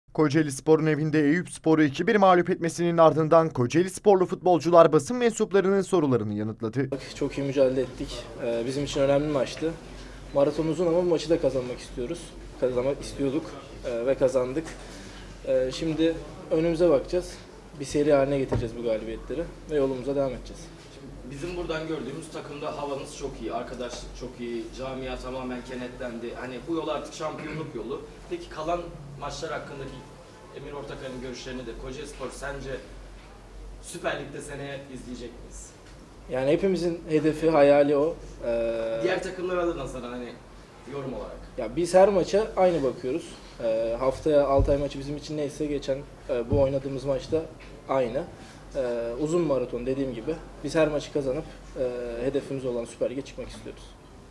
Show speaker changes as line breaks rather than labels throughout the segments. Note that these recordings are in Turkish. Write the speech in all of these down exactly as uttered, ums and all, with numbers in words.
Kocaelispor'un evinde Eyüpspor'u iki bir mağlup etmesinin ardından Kocaelisporlu futbolcular basın mensuplarının sorularını yanıtladı.
Çok iyi mücadele ettik. Ee, Bizim için önemli bir maçtı. Maraton uzun ama bu maçı da kazanmak istiyoruz. Kazanmak istiyorduk ee, ve kazandık. Ee, Şimdi önümüze bakacağız. Bir seri haline getireceğiz bu galibiyetleri ve yolumuza devam edeceğiz.
Bizim buradan gördüğümüz takımda havanız çok iyi, arkadaşlık çok iyi, camia tamamen kenetlendi. Hani bu yol artık şampiyonluk yolu. Peki kalan maçlar hakkındaki Emir Ortakay'ın görüşlerini de Kocaelispor sence Süper Lig'de seneye izleyecek miyiz?
Yani hepimizin hedefi, hayali o. Ee,
Diğer takımlara da nazaran hani yorum olarak.
Ya biz her maça aynı bakıyoruz. Ee, haftaya Altay maçı bizim için neyse geçen e, bu oynadığımız maçta aynı. Ee, uzun maraton dediğim gibi biz her maçı kazanıp e, hedefimiz olan Süper Lig'e çıkmak istiyoruz.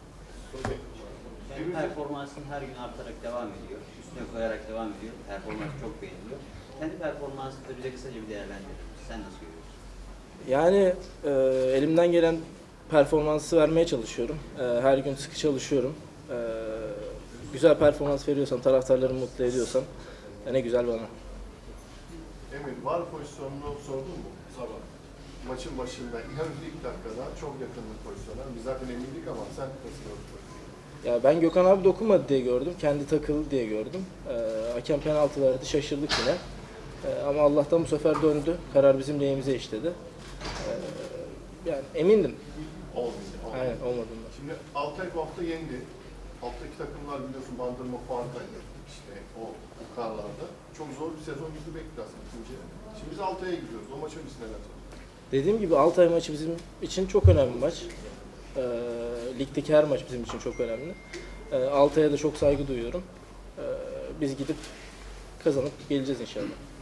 Yani performansın her gün artarak devam ediyor. Üstüne koyarak devam ediyor. Performans çok beğeniliyor. Kendi performansını da bize kısaca bir değerlendirir. Sen nasıl görüyorsun?
Yani e, elimden gelen performansı vermeye çalışıyorum. E, her gün sıkı çalışıyorum. E, güzel performans veriyorsam, taraftarlarımı mutlu ediyorsam e, ne güzel bana.
Emir, var pozisyonunu sordun mu?
Sorma.
Maçın başında, hem ilk dakikada çok yakınlık pozisyona. Biz zaten emindik ama sen nasıl gördün?
Ya ben Gökhan abi dokunmadı diye gördüm. Kendi takıldı diye gördüm. E, hakem penaltı verdi, şaşırdık yine. E, ama Allah'tan bu sefer döndü. Karar bizim lehimize işledi. E, yani emindim.
Olmadı. olmadı.
Aynen olmadığından.
Şimdi Altay bu hafta yendi. Alttaki takımlar biliyorsun Bandırma Fuar'daydı. İşte o, o karlarda. Çok zor bir sezon bizi bekliyor aslında ikinci. Şimdi biz Altay'a gidiyoruz. O maça biz neler söyleyeceğiz?
Dediğim gibi Altay maçı bizim için çok önemli bir maç. Ee, ligdeki her maç bizim için çok önemli. Ee, Altay'a da çok saygı duyuyorum. Ee, biz gidip kazanıp geleceğiz inşallah.